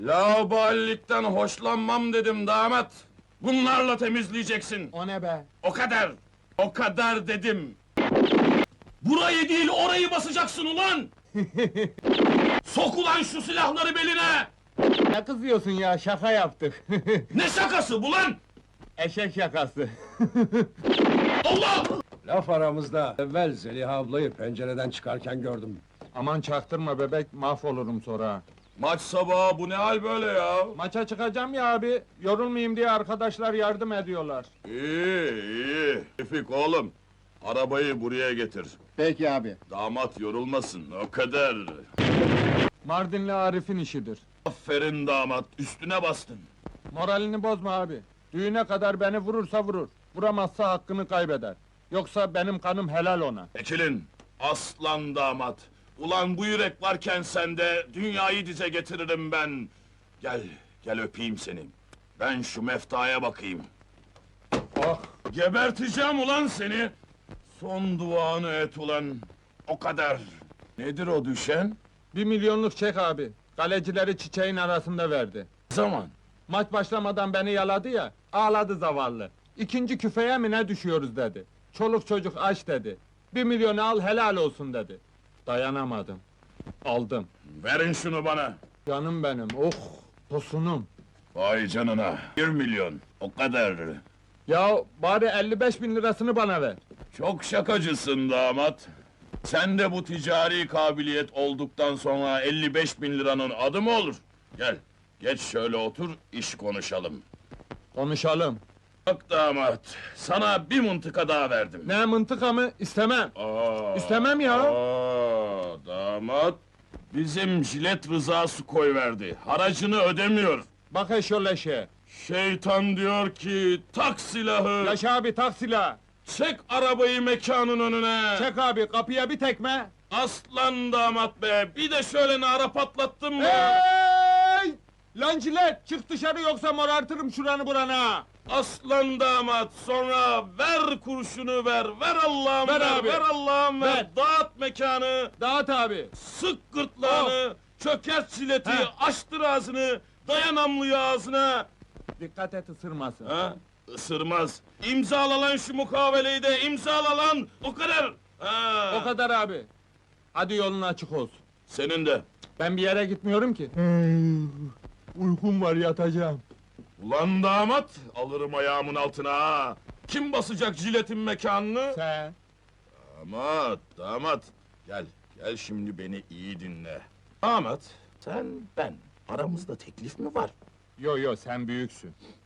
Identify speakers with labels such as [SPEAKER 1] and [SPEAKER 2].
[SPEAKER 1] Laubalilikten hoşlanmam dedim damat. Bunlarla temizleyeceksin.
[SPEAKER 2] O ne be?
[SPEAKER 1] O kadar. O kadar dedim. Burayı değil orayı basacaksın ulan! Sok ulan şu silahları beline!
[SPEAKER 2] Ne kızıyorsun ya, şaka yaptık.
[SPEAKER 1] Ne şakası bu lan?
[SPEAKER 2] Eşek şakası.
[SPEAKER 1] Allah!
[SPEAKER 3] Laf aramızda, evvel Zeliha ablayı pencereden çıkarken gördüm.
[SPEAKER 2] Aman çaktırma bebek, mahvolurum sonra.
[SPEAKER 1] Maç sabahı bu ne hal böyle ya?
[SPEAKER 2] Maça çıkacağım ya abi, yorulmayayım diye arkadaşlar yardım ediyorlar.
[SPEAKER 1] İyi, iyi. Tevfik oğlum, arabayı buraya getir.
[SPEAKER 2] Peki abi.
[SPEAKER 1] Damat yorulmasın, o kadar.
[SPEAKER 2] Mardinli Arif'in işidir.
[SPEAKER 1] Aferin damat, üstüne bastın.
[SPEAKER 2] Moralini bozma abi. Düğüne kadar beni vurursa vurur. Vuramazsa hakkını kaybeder. Yoksa benim kanım helal ona.
[SPEAKER 1] Ekilin, aslan damat. Ulan bu yürek varken sende, dünyayı dize getiririm ben. Gel, gel öpeyim seni. Ben şu meftaya bakayım.
[SPEAKER 2] Oh!
[SPEAKER 1] Geberteceğim ulan seni! Son duanı et ulan, o kadar. Nedir o düşen?
[SPEAKER 2] 1 milyonluk çek abi. Kalecileri çiçeğin arasında verdi.
[SPEAKER 1] Zaman.
[SPEAKER 2] Maç başlamadan beni yaladı ya, ağladı zavallı. İkinci küfeye mi ne düşüyoruz dedi. Çoluk çocuk aç dedi. 1 milyonu al helal olsun dedi. Dayanamadım. Aldım.
[SPEAKER 1] Verin şunu bana.
[SPEAKER 2] Canım benim, oh! Tosunum.
[SPEAKER 1] Vay canına, 1 milyon, o kadar.
[SPEAKER 2] Ya bari 55 bin lirasını bana ver.
[SPEAKER 1] Çok şakacısın damat. Sen de bu ticari kabiliyet olduktan sonra 55 bin liranın adı mı olur? Gel, geç şöyle otur, iş konuşalım.
[SPEAKER 2] Konuşalım.
[SPEAKER 1] Bak damat, sana bir mıntıka daha verdim.
[SPEAKER 2] Ne mıntıka mı? İstemem. İstemem ya.
[SPEAKER 1] Damat, bizim jilet Rıza'sı koyverdi, haracını ödemiyor.
[SPEAKER 2] Bak eşyoleşe.
[SPEAKER 1] Şeytan diyor ki, tak silahı,
[SPEAKER 2] Yaşa abi tak silah.
[SPEAKER 1] çek arabayı mekanın önüne.
[SPEAKER 2] Çek abi kapıya bir tekme.
[SPEAKER 1] Aslan damat be, bir de şöyle nara patlattın mı?
[SPEAKER 2] Hey! Lan cilet çık dışarı yoksa morartırım şuranı burana.
[SPEAKER 1] Aslan damat, sonra ver kurşunu ver Allah'ım
[SPEAKER 2] Ver
[SPEAKER 1] ver,
[SPEAKER 2] abi.
[SPEAKER 1] ver Allah'ım ver.
[SPEAKER 2] Ver.
[SPEAKER 1] Dağıt mekanı,
[SPEAKER 2] Dağıt abi.
[SPEAKER 1] sık gırtlağını, çökert çileti,
[SPEAKER 2] Heh.
[SPEAKER 1] açtır ağzını, dayan namluyu ağzına.
[SPEAKER 2] Dikkat et ısırmasın.
[SPEAKER 1] Ha? Isırmaz. İmzala lan şu mukaveleyi de, imzala lan, o kadar. Ha.
[SPEAKER 2] O kadar abi. Hadi yolun açık olsun.
[SPEAKER 1] Senin de.
[SPEAKER 2] Ben bir yere gitmiyorum ki. Uykum var yatacağım.
[SPEAKER 1] Ulan damat, alırım ayağımın altına ha. Kim basacak jiletin mekanını?
[SPEAKER 2] Sen.
[SPEAKER 1] Damat, gel, gel şimdi beni iyi dinle. Damat, sen, ben, aramızda teklif mi var?
[SPEAKER 2] Yo yo sen büyüksün.